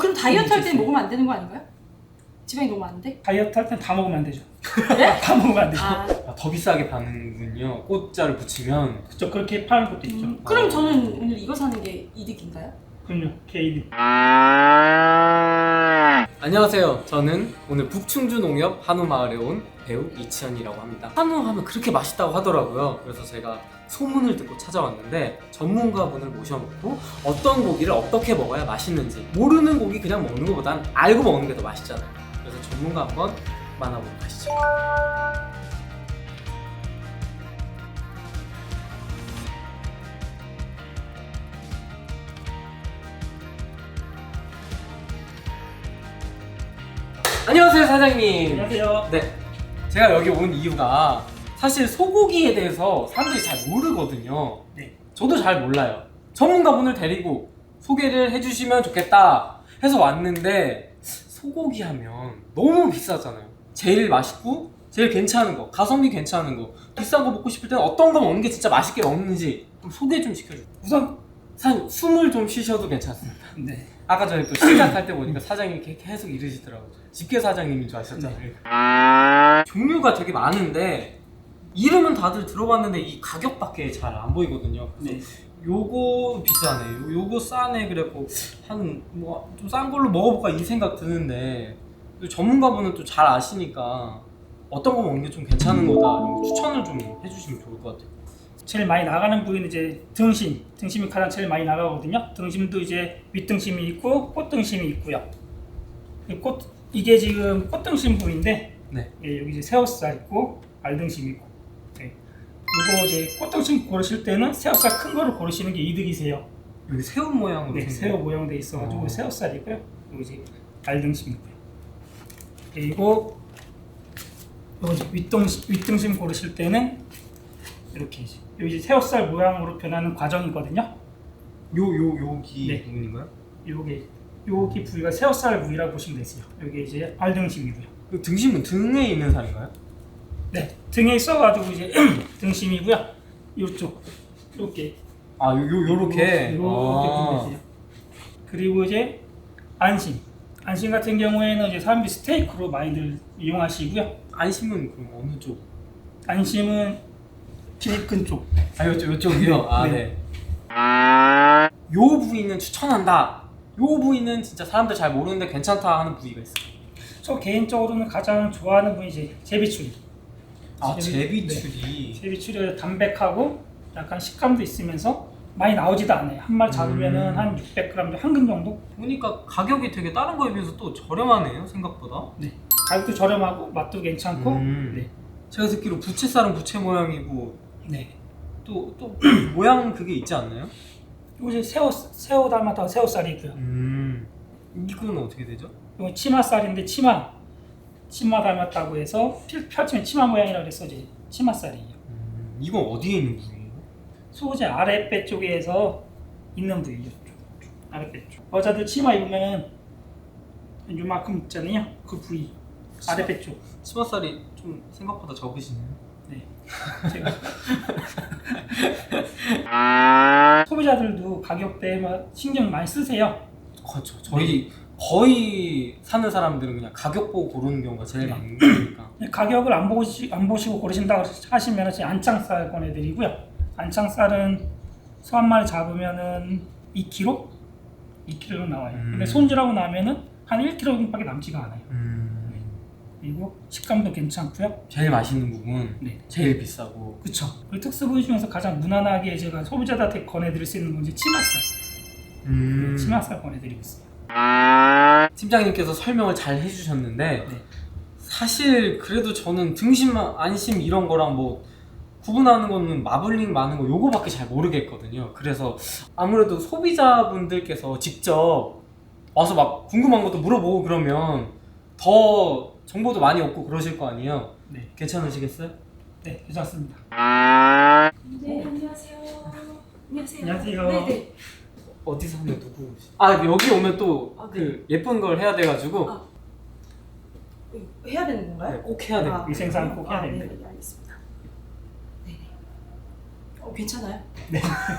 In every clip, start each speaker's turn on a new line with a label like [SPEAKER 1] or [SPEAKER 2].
[SPEAKER 1] 그럼 다이어트 할 때는 먹으면 안 되는 거 아닌가요? 지방이 너무 많은데?
[SPEAKER 2] 다이어트 할 땐 다 먹으면 안 되죠.
[SPEAKER 1] 네?
[SPEAKER 2] 다 먹으면 안 되죠.
[SPEAKER 3] 더 비싸게 파는군요. 꽃자를 붙이면.
[SPEAKER 2] 그쵸, 그렇게 파는 것도 있죠.
[SPEAKER 1] 그럼 저는 오늘 이거 사는 게 이득인가요?
[SPEAKER 2] 그럼요, 개인.
[SPEAKER 3] 안녕하세요. 저는 오늘 북충주농협 한우마을에 온 배우 이치현이라고 합니다. 한우 하면 그렇게 맛있다고 하더라고요. 그래서 제가 소문을 듣고 찾아왔는데 전문가분을 모셔놓고 어떤 고기를 어떻게 먹어야 맛있는지, 모르는 고기 그냥 먹는 것보단 알고 먹는 게 더 맛있잖아요. 그래서 전문가 한번 만나보도록 하시죠. 안녕하세요, 사장님.
[SPEAKER 2] 안녕하세요.
[SPEAKER 3] 네, 제가 여기 온 이유가 사실 소고기에 대해서 사람들이 잘 모르거든요.
[SPEAKER 2] 네.
[SPEAKER 3] 저도 잘 몰라요. 전문가분을 데리고 소개를 해주시면 좋겠다 해서 왔는데, 소고기 하면 너무 비싸잖아요. 제일 맛있고 제일 괜찮은 거, 가성비 괜찮은 거, 비싼 거 먹고 싶을 때는 어떤 거 먹는 게 진짜 맛있게 먹는지 좀 소개 좀 시켜주세요. 우선 사장님, 숨을 좀 쉬셔도 괜찮습니다.
[SPEAKER 2] 네.
[SPEAKER 3] 아까 전에 또 시작할 때 보니까 사장님이 계속 이러시더라고요. 집게 사장님인 줄 아셨잖아요. 종류가 되게 많은데 이름은 다들 들어봤는데 이 가격밖에 잘 안 보이거든요.
[SPEAKER 2] 네.
[SPEAKER 3] 요거 비싸네, 요거 싸네, 그래갖고 한 뭐 좀 싼 걸로 먹어볼까 이 생각 드는데, 또 전문가분은 또 잘 아시니까 어떤 거 먹는 게 좀 괜찮은 거다 이런 거 추천을 좀 해주시면 좋을 것 같아요.
[SPEAKER 2] 제일 많이 나가는 부위는 이제 등심이 가장 제일 많이 나가거든요. 등심도 이제 윗등심이 있고 꽃등심이 있고요. 이게 지금 꽃등심 부위인데,
[SPEAKER 3] 네.
[SPEAKER 2] 예, 여기 이제 새우살 있고 알등심 있고. 네. 이거 이제 꽃등심 고르실 때는 새우살 큰 거를 고르시는 게 이득이세요.
[SPEAKER 3] 여기 새우 모양으로
[SPEAKER 2] 네,
[SPEAKER 3] 생긴
[SPEAKER 2] 새우 모양돼 있어가지고
[SPEAKER 3] 어.
[SPEAKER 2] 새우살이고요. 여기 이제 알등심이고요. 그리고 여기 이제 윗등심 고르실 때는 이렇게 여기 이제 새우살 모양으로 변하는 과정이거든요.
[SPEAKER 3] 여기
[SPEAKER 2] 네.
[SPEAKER 3] 부분인가요?
[SPEAKER 2] 여기 부위가 새우살 부위라고 보시면 되세요. 여기 이제 알등심이고요.
[SPEAKER 3] 그 등심은 등에 있는 살인가요?
[SPEAKER 2] 네, 등에 있어가지고 이제 등심이고요. 이쪽 이렇게
[SPEAKER 3] 요렇게.
[SPEAKER 2] 이렇게 보면 되세요. 그리고 이제 안심 같은 경우에는 이제 사람들이 스테이크로 많이들 이용하시고요.
[SPEAKER 3] 안심은 그럼 어느 쪽?
[SPEAKER 2] 안심은 비근 쪽.
[SPEAKER 3] 요쪽이요? 아,
[SPEAKER 2] 네.
[SPEAKER 3] 네. 요 부위는 추천한다, 요 부위는 진짜 사람들 잘 모르는데 괜찮다 하는 부위가 있어요.
[SPEAKER 2] 저 개인적으로는 가장 좋아하는 부위 이제 제비추리.
[SPEAKER 3] 제비추리.
[SPEAKER 2] 네. 제비추리가 담백하고 약간 식감도 있으면서 많이 나오지도 않아요. 한 마리 잡으면은 한 600g 한 근 정도.
[SPEAKER 3] 보니까 가격이 되게 다른 거에 비해서 또 저렴하네요, 생각보다.
[SPEAKER 2] 네. 가격도 저렴하고 맛도 괜찮고. 네.
[SPEAKER 3] 제가 듣기로 부채살은 부채 모양이고
[SPEAKER 2] 네.
[SPEAKER 3] 또 모양 그게 있지 않나요?
[SPEAKER 2] 이거 이제 새우 닮았다고 새우살이고요.
[SPEAKER 3] 이건 어떻게 되죠?
[SPEAKER 2] 이거 치마살인데 치마 닮았다고 해서 펼치면 치마 모양이라고 해서 이제 치마살이에요.
[SPEAKER 3] 이건 어디에 있는 부위예요?
[SPEAKER 2] 소재 아랫배 쪽에서 있는 부위죠. 아랫배 쪽. 여자들 치마 입으면 요만큼 있잖아요. 그 부위 아랫배 쪽.
[SPEAKER 3] 치마살이 좀 생각보다 적으시네요.
[SPEAKER 2] 네. 제가 소비자들도 가격대에 신경 많이 쓰세요.
[SPEAKER 3] 그렇죠. 저희 거의 사는 사람들은 그냥 가격 보고 고르는 경우가 제일 많은 거니까.
[SPEAKER 2] 가격을 안 보시고 고르신다고 하시면 이제 안창살 권해드리고요. 안창살은 소 한 마리 잡으면은 2kg? 2kg 나와요. 근데 손질하고 나면은 한 1kg밖에 남지가 않아요. 그리고 식감도 괜찮고요.
[SPEAKER 3] 제일 맛있는 부분,
[SPEAKER 2] 네.
[SPEAKER 3] 제일 비싸고.
[SPEAKER 2] 그쵸. 그리고 특수 부위 중에서 가장 무난하게 제가 소비자들한테 권해드릴 수 있는 건 이제 치맛살. 치맛살 권해드리고 있어요.
[SPEAKER 3] 팀장님께서 설명을 잘 해주셨는데,
[SPEAKER 2] 네.
[SPEAKER 3] 사실 그래도 저는 등심, 안심 이런 거랑 뭐 구분하는 거는 마블링 많은 거 요거밖에 잘 모르겠거든요. 그래서 아무래도 소비자분들께서 직접 와서 막 궁금한 것도 물어보고 그러면 더 정보도 많이 얻고 그러실 거 아니에요?
[SPEAKER 2] 네.
[SPEAKER 3] 괜찮으시겠어요?
[SPEAKER 2] 네, 괜찮습니다.
[SPEAKER 1] 네, 안녕하세요. 안녕하세요.
[SPEAKER 2] 안녕하세요.
[SPEAKER 1] 네네.
[SPEAKER 3] 어디서 하면 누구? 아, 여기 오면 또
[SPEAKER 1] 아, 네.
[SPEAKER 3] 그 예쁜 걸 해야 돼가지고.
[SPEAKER 1] 이거 해야 되는 건가요?
[SPEAKER 3] 네, 꼭 해야 돼요.
[SPEAKER 2] 위생상 꼭 해야 됩니다.
[SPEAKER 1] 네, 알겠습니다. 네네. 괜찮아요?
[SPEAKER 2] 네.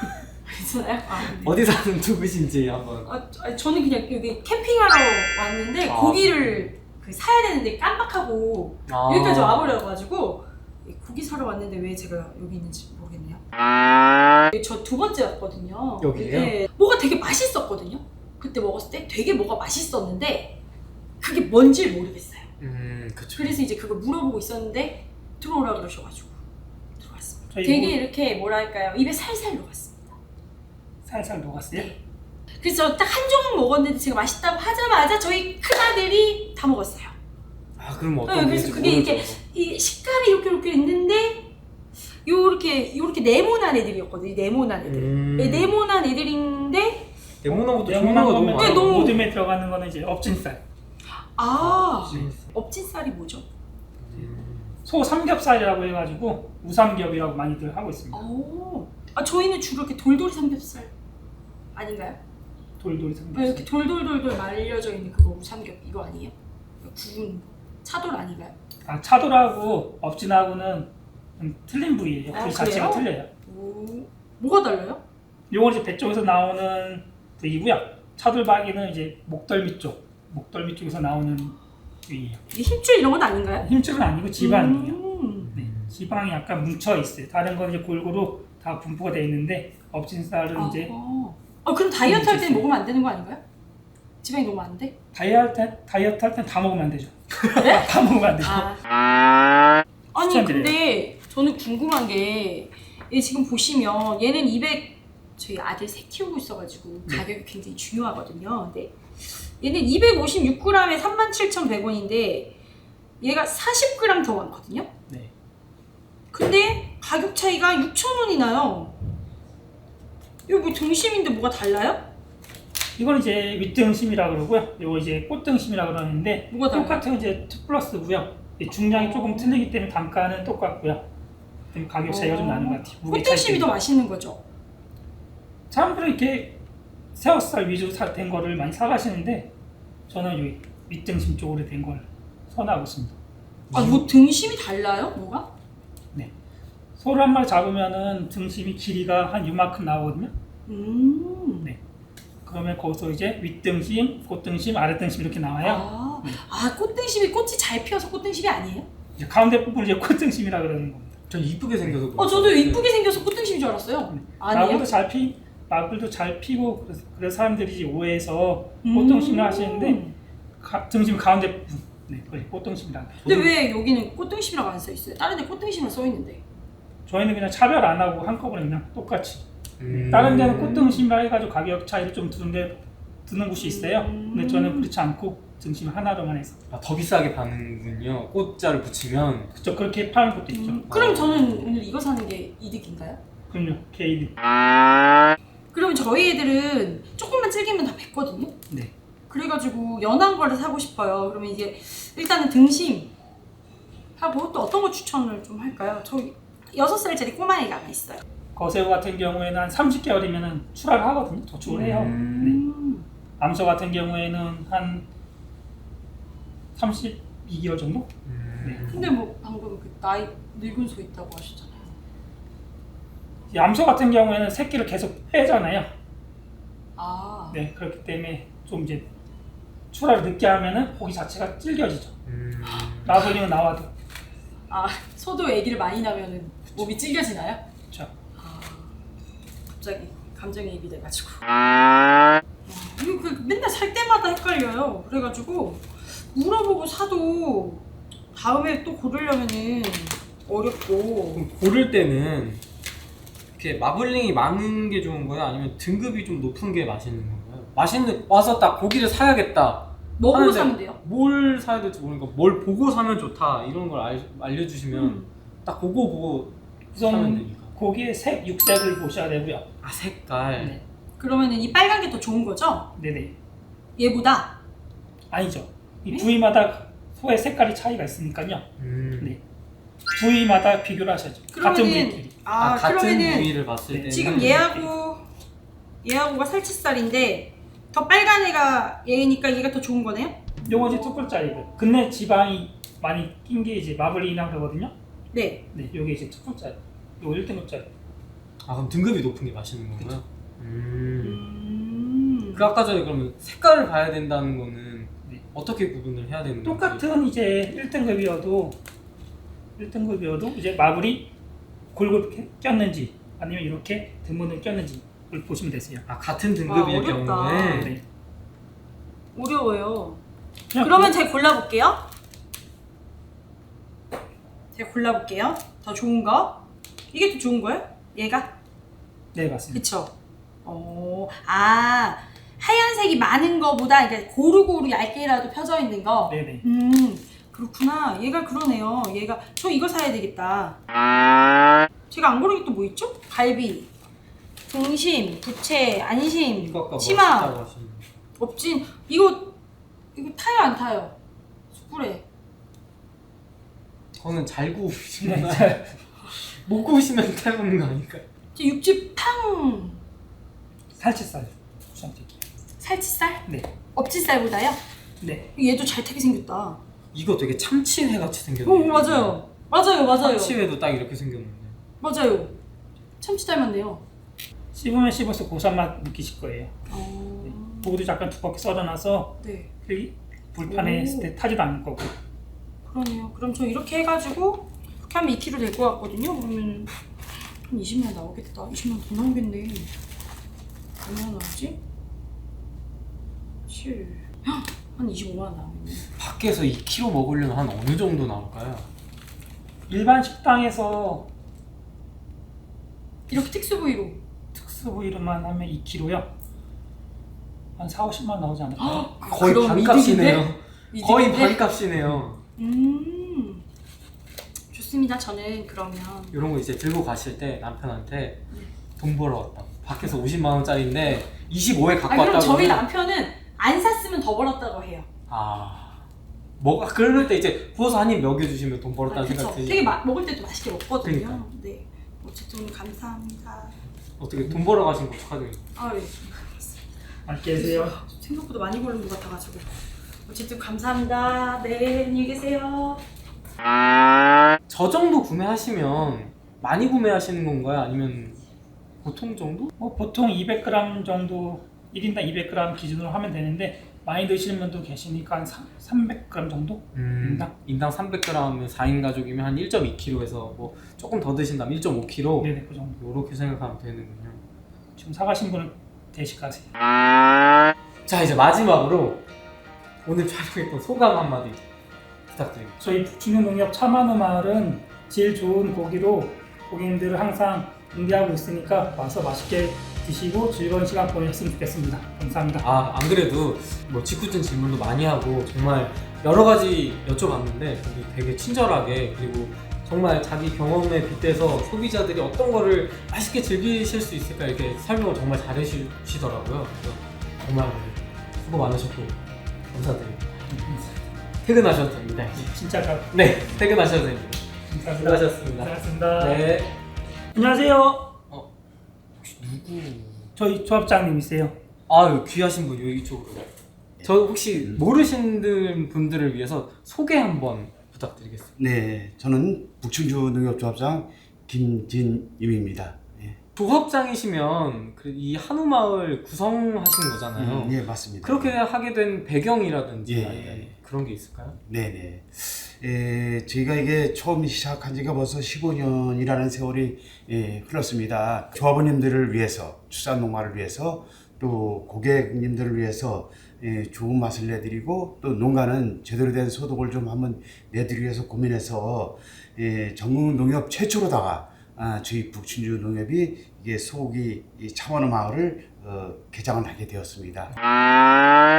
[SPEAKER 1] 괜찮아요? 네.
[SPEAKER 3] 어디 사는 누구신지 한번.
[SPEAKER 1] 저는 그냥 여기 캠핑하러 왔는데
[SPEAKER 3] 아.
[SPEAKER 1] 고기를 사야 되는데 깜빡하고
[SPEAKER 3] 아.
[SPEAKER 1] 여기까지 와버려가지고 고기 사러 왔는데 왜 제가 여기 있는지 모르겠네요. 저 두 번째 왔거든요.
[SPEAKER 3] 여기에요?
[SPEAKER 1] 네. 뭐가 되게 맛있었거든요. 그때 먹었을 때 되게 뭐가 맛있었는데 그게 뭔지 모르겠어요.
[SPEAKER 3] 그쵸.
[SPEAKER 1] 그래서 이제 그걸 물어보고 있었는데 들어오라 그러셔가지고 들어왔습니다.
[SPEAKER 2] 저희
[SPEAKER 1] 되게 이렇게 뭐랄까요, 입에 살살 녹았습니다.
[SPEAKER 2] 살살 녹았어요.
[SPEAKER 1] 네. 그래서 딱 한 조각 먹었는데 제가 맛있다고 하자마자 저희 큰아들이 다 먹었어요.
[SPEAKER 3] 아 그럼
[SPEAKER 1] 네,
[SPEAKER 3] 어떤
[SPEAKER 1] 그래서
[SPEAKER 3] 건지
[SPEAKER 1] 그게
[SPEAKER 3] 모르죠.
[SPEAKER 1] 이렇게 이 식감이 이렇게 있는데 요렇게 네모난 애들이었거든요. 네모난 애들. 네, 네모난 애들인데
[SPEAKER 3] 네모난 것도
[SPEAKER 2] 네모난
[SPEAKER 3] 종류가 너무
[SPEAKER 2] 거면
[SPEAKER 3] 많아요.
[SPEAKER 1] 너무-
[SPEAKER 2] 모듬에 들어가는 거는 이제 업진살.
[SPEAKER 1] 업진살이 뭐죠?
[SPEAKER 2] 소 삼겹살이라고 해가지고 우삼겹이라고 많이들 하고 있습니다.
[SPEAKER 1] 저희는 주로 이렇게 돌돌이 삼겹살 아닌가요?
[SPEAKER 2] 돌돌이
[SPEAKER 1] 네,
[SPEAKER 2] 삼겹살.
[SPEAKER 1] 이렇게 돌돌돌돌 말려져 있는 그거 우삼겹 이거 아니에요? 구운 차돌 아닌가요?
[SPEAKER 2] 아, 차돌하고 업진하고는 좀 틀린 부위예요.
[SPEAKER 1] 아,
[SPEAKER 2] 그 자체가
[SPEAKER 1] 그래요?
[SPEAKER 2] 틀려요.
[SPEAKER 1] 뭐가 달라요?
[SPEAKER 2] 요건 이제 배 쪽에서 나오는 부위고요. 차돌박이는 이제 목덜미 쪽에서 나오는 부위예요.
[SPEAKER 1] 이게 힘줄 이런 건 아닌가요?
[SPEAKER 2] 힘줄은 아니고 지방이에요.
[SPEAKER 1] 음.
[SPEAKER 2] 네, 지방이 약간 뭉쳐 있어요. 다른 건 이제 골고루 다 분포가 돼 있는데 업진살은 이제
[SPEAKER 1] 그럼 다이어트 할 때는
[SPEAKER 2] 있어요.
[SPEAKER 1] 먹으면 안 되는 거 아닌가요? 지방이 너무 안 돼?
[SPEAKER 2] 다이어트 할 땐 다 먹으면 안 되죠.
[SPEAKER 1] 네?
[SPEAKER 2] 다 먹으면 안 되죠.
[SPEAKER 1] 아니
[SPEAKER 2] 추천드려요.
[SPEAKER 1] 근데 저는 궁금한 게 얘 지금 보시면 얘는 200 저희 아들 새 키우고 있어가지고
[SPEAKER 2] 네.
[SPEAKER 1] 가격이 굉장히 중요하거든요. 근데 얘는 256g에 37,100원인데 얘가 40g 더 많거든요.
[SPEAKER 2] 네.
[SPEAKER 1] 근데 가격 차이가 6,000원이 나요. 이거 뭐 등심인데 뭐가 달라요?
[SPEAKER 2] 이건 이제 윗등심이라 그러고요. 이거 이제 꽃등심이라 그러는데
[SPEAKER 1] 뭐가 달라요?
[SPEAKER 2] 똑같은 이제 2+고요. 중량이 조금 틀리기 때문에 단가는 똑같고요. 좀 가격 차이가 좀 나는 것 같아요. 무게 차이
[SPEAKER 1] 꽃등심이 더
[SPEAKER 2] 때문에.
[SPEAKER 1] 맛있는 거죠?
[SPEAKER 2] 사람들은 이렇게 새우살 위주로 된 거를 많이 사가시는데 저는 여기 윗등심 쪽으로 된 걸 선호하고 있습니다.
[SPEAKER 1] 뭐 등심이 달라요? 뭐가?
[SPEAKER 2] 네. 소를 한 마리 잡으면은 등심이 길이가 한 이만큼 나오거든요. 네. 그러면 거기서 이제 윗등심, 꽃등심, 아랫등심 이렇게 나와요.
[SPEAKER 1] 꽃등심이 꽃이 잘 피어서 꽃등심이 아니에요?
[SPEAKER 2] 이제 가운데 부분 이제 꽃등심이라 그러는 겁니다.
[SPEAKER 3] 전 이쁘게 생겨서.
[SPEAKER 1] 저도 이쁘게 생겨서 꽃등심인 줄 알았어요. 아니에요?
[SPEAKER 2] 마블도 잘 피고 그래서 사람들이 이제 오해해서 꽃등심을 하시는데 등심 가운데 부분, 네, 그게 꽃등심이라는 거예요.
[SPEAKER 1] 근데 왜 여기는 꽃등심이라고 안 써 있어요? 다른 데 꽃등심을 써 있는데.
[SPEAKER 2] 저희는 그냥 차별 안 하고 한꺼번에 그냥 똑같이. 다른 데는 꽃등심이라 해가지고 가격 차이를 좀 두는 곳이 있어요. 근데 저는 그렇지 않고 등심 하나로만 해서.
[SPEAKER 3] 더 비싸게 파는군요. 꽃자를 붙이면.
[SPEAKER 2] 그쵸, 그렇게 파는 것도 있죠.
[SPEAKER 1] 그럼 저는 오늘 이거 사는 게 이득인가요?
[SPEAKER 2] 그럼요, 케이드.
[SPEAKER 1] 그러면 저희 애들은 조금만 질기면 다 뱉거든요?
[SPEAKER 2] 네.
[SPEAKER 1] 그래가지고 연한 거를 사고 싶어요. 그러면 이제 일단은 등심 하고 또 어떤 거 추천을 좀 할까요? 저희 6살짜리 꼬마애가 하나 있어요.
[SPEAKER 2] 거새우 같은 경우에는 한 30개월이면 출하를 하거든요. 도축을 해요. 네. 암소 같은 경우에는 한 32개월 정도? 네.
[SPEAKER 1] 근데 뭐 방금 그 나이 늙은 소 있다고 하셨잖아요.
[SPEAKER 2] 이 암소 같은 경우에는 새끼를 계속 빼잖아요.
[SPEAKER 1] 네.
[SPEAKER 2] 네, 그렇기 때문에 좀 이제 출하를 늦게 하면은 고기 자체가 질겨지죠. 마블링은 나와도.
[SPEAKER 1] 소도 아기를 많이 낳으면 몸이 질겨지나요?
[SPEAKER 2] 그렇죠.
[SPEAKER 1] 갑자기 감정이입이 돼가지고. 이거 맨날 살 때마다 헷갈려요. 그래가지고 물어보고 사도 다음에 또 고르려면은 어렵고.
[SPEAKER 3] 그럼 고를 때는 이렇게 마블링이 많은 게 좋은 거예요? 아니면 등급이 좀 높은 게 맛있는 건가요? 와서 딱 고기를 사야겠다.
[SPEAKER 1] 뭐 보고
[SPEAKER 3] 하는데
[SPEAKER 1] 사면 돼요?
[SPEAKER 3] 뭘 사야 될지 모르니까 뭘 보고 사면 좋다 이런 걸 알려주시면 딱 그거 보고 사면
[SPEAKER 2] 우선
[SPEAKER 3] 되니까.
[SPEAKER 2] 고기의 색, 육색을 보셔야 되고요.
[SPEAKER 3] 색깔.
[SPEAKER 2] 네.
[SPEAKER 1] 그러면은 이 빨간 게 더 좋은 거죠?
[SPEAKER 2] 네네.
[SPEAKER 1] 얘보다?
[SPEAKER 2] 아니죠. 이 부위마다 소의 색깔이 차이가 있으니까요. 네. 부위마다 비교를 하셔야죠. 같은 부위끼리.
[SPEAKER 3] 같은
[SPEAKER 1] 그러면은
[SPEAKER 3] 부위를 봤을 때
[SPEAKER 1] 지금 얘하고가 살치살인데 더 빨간 애가 얘니까 얘가 더 좋은 거네요?
[SPEAKER 2] 요거 이제 2%짜리고 근데 지방이 많이 낀 게 이제 마블링이라고 그러거든요.
[SPEAKER 1] 네.
[SPEAKER 2] 네, 요게 이제 2%짜리. 요거 1등급짜리.
[SPEAKER 3] 그럼 등급이 높은 게 맛있는 건가요? 그 아까 전에 그러면 색깔을 봐야 된다는 거는
[SPEAKER 2] 네.
[SPEAKER 3] 어떻게 구분을 해야 되는 건지?
[SPEAKER 2] 똑같은 이제 1등급이어도 이제 마블이 골고루 꼈는지 아니면 이렇게 드문을 꼈는지 그걸 보시면 되세요.
[SPEAKER 3] 아 같은 등급일
[SPEAKER 1] 어렵다.
[SPEAKER 3] 경우에
[SPEAKER 2] 네.
[SPEAKER 1] 어려워요.
[SPEAKER 2] 그냥
[SPEAKER 1] 그러면 제가 골라볼게요. 제가 골라볼게요. 더 좋은 거. 이게 더 좋은 거예요? 얘가?
[SPEAKER 2] 네 맞습니다.
[SPEAKER 1] 그쵸? 하얀색이 많은 거보다 이게 고루고루 얇게라도 펴져 있는 거.
[SPEAKER 2] 네네.
[SPEAKER 1] 그렇구나. 얘가 그러네요. 얘가 저 이거 사야 되겠다. 제가 안 고른 게 또 뭐 있죠? 갈비, 등심, 부채, 안심,
[SPEAKER 3] 이거 아까
[SPEAKER 1] 치마.
[SPEAKER 3] 멋있다고 하시는
[SPEAKER 1] 없진. 이거 타요 안 타요? 숯불에.
[SPEAKER 3] 그거는 잘 구우시면 못 구우시면 타먹는 거 아닐까요?
[SPEAKER 1] 저 육즙 탕.
[SPEAKER 2] 살치살 추천드릴게요.
[SPEAKER 1] 살치살?
[SPEAKER 2] 네.
[SPEAKER 1] 업치살보다요?
[SPEAKER 2] 네.
[SPEAKER 1] 얘도 잘 타게 생겼다.
[SPEAKER 3] 이거 되게 참치회 같이 생겼네요.
[SPEAKER 1] 오 맞아요.
[SPEAKER 3] 참치회도 딱 이렇게 생겼는데.
[SPEAKER 1] 맞아요. 참치 닮았네요.
[SPEAKER 2] 씹으면 씹어서 고소한 맛 느끼실 거예요. 고기도 약간 두껍게 썰어놔서
[SPEAKER 1] 네.
[SPEAKER 2] 그 불판에 했을 때 타지도 않을 거고.
[SPEAKER 1] 그러네요. 그럼 저 이렇게 해가지고 이렇게 하면 2kg 될 것 같거든요. 그러면 한 20만 나오겠다. 20만 더 나오겠네. 얼마나 나오지? 7. 한 25만 나오겠네.
[SPEAKER 3] 밖에서 2kg 먹으려면 한 어느 정도 나올까요?
[SPEAKER 2] 일반 식당에서
[SPEAKER 1] 이렇게 특수 부위로.
[SPEAKER 2] 특수 부위로만 하면 2kg요. 한 4, 50만 나오지 않을까요?
[SPEAKER 3] 거의
[SPEAKER 1] 그럼
[SPEAKER 3] 반값이네요.
[SPEAKER 1] 이득인데?
[SPEAKER 3] 거의
[SPEAKER 1] 이득인데?
[SPEAKER 3] 반값이네요.
[SPEAKER 1] 좋습니다. 저는 그러면
[SPEAKER 3] 이런 거 이제 들고 가실 때 남편한테 돈 벌어 왔다. 밖에서 50만 원짜리인데 25에 갖고
[SPEAKER 1] 그럼
[SPEAKER 3] 왔다고.
[SPEAKER 1] 저희
[SPEAKER 3] 하면
[SPEAKER 1] 남편은 안 샀으면 더 벌었다고 해요.
[SPEAKER 3] 뭐가 그럴 때 이제 구워서 한 입 먹여주시면 돈 벌었다는
[SPEAKER 1] 그쵸.
[SPEAKER 3] 생각 들지.
[SPEAKER 1] 되게 먹을 때도 맛있게 먹거든요.
[SPEAKER 3] 그러니까.
[SPEAKER 1] 네. 어쨌든 감사합니다.
[SPEAKER 3] 어떻게 돈 벌어 가신 거 축하드립니다.
[SPEAKER 1] 네.
[SPEAKER 2] 맛있게 드세요.
[SPEAKER 1] 생각보다 많이 고른 것 같아가지고. 어쨌든 감사합니다. 네, 안녕히 계세요.
[SPEAKER 3] 저 정도 구매하시면 많이 구매하시는 건가요? 아니면 보통 정도?
[SPEAKER 2] 보통 200g 정도 1인당 200g 기준으로 하면 되는데 많이 드시는 분도 계시니까 한 300g 정도?
[SPEAKER 3] 인당 300g이면 4인 가족이면 한 1.2kg에서 뭐 조금 더 드신다면 1.5kg
[SPEAKER 2] 네네 그 정도.
[SPEAKER 3] 이렇게 생각하면 되는군요.
[SPEAKER 2] 지금 사가신 분은 대식가세요.
[SPEAKER 3] 자 이제 마지막으로 오늘 촬영했던 소감 한마디 부탁드립니다.
[SPEAKER 2] 저희 북충농협 참한우 마을은 질 좋은 고기로 고객님들을 항상 응대하고 있으니까 와서 맛있게 드시고 즐거운 시간 보내셨으면 좋겠습니다. 감사합니다.
[SPEAKER 3] 안 그래도 뭐 직구준 질문도 많이 하고 정말 여러 가지 여쭤봤는데 되게 친절하게 그리고 정말 자기 경험에 빗대서 소비자들이 어떤 거를 맛있게 즐기실 수 있을까 이렇게 설명을 정말 잘해주시더라고요. 그래서 정말 수고 많으셨고 감사드립니다. 퇴근하셔도 됩니다.
[SPEAKER 2] 진짜
[SPEAKER 3] 네, 퇴근하셔도 됩니다.
[SPEAKER 2] 감사합니다.
[SPEAKER 3] 수고하셨습니다.
[SPEAKER 2] 고맙습니다.
[SPEAKER 3] 네.
[SPEAKER 2] 안녕하세요.
[SPEAKER 3] 혹시 누구?
[SPEAKER 2] 저희 조합장님이세요.
[SPEAKER 3] 아유 귀하신 분 여기 이쪽으로. 저 혹시 모르시는 분들을 위해서 소개 한번 부탁드리겠습니다.
[SPEAKER 4] 네, 저는 북충주 농협조합장 김진임입니다. 예.
[SPEAKER 3] 조합장이시면 이 한우마을 구성하신 거잖아요.
[SPEAKER 4] 예, 맞습니다.
[SPEAKER 3] 그렇게 하게 된 배경이라든지
[SPEAKER 4] 예.
[SPEAKER 3] 아니면 그런 게 있을까요?
[SPEAKER 4] 네네. 저희가 이게 처음 시작한 지가 벌써 15년이라는 세월이 흘렀습니다. 조합원님들을 위해서, 축산농가를 위해서, 또 고객님들을 위해서 좋은 맛을 내드리고 또 농가는 제대로 된 소득을 좀 한번 내드리기 위해서 고민해서 전국 농협 최초로다가 저희 북충주 농협이 이게 소고기 참한우 마을을 개장을 하게 되었습니다.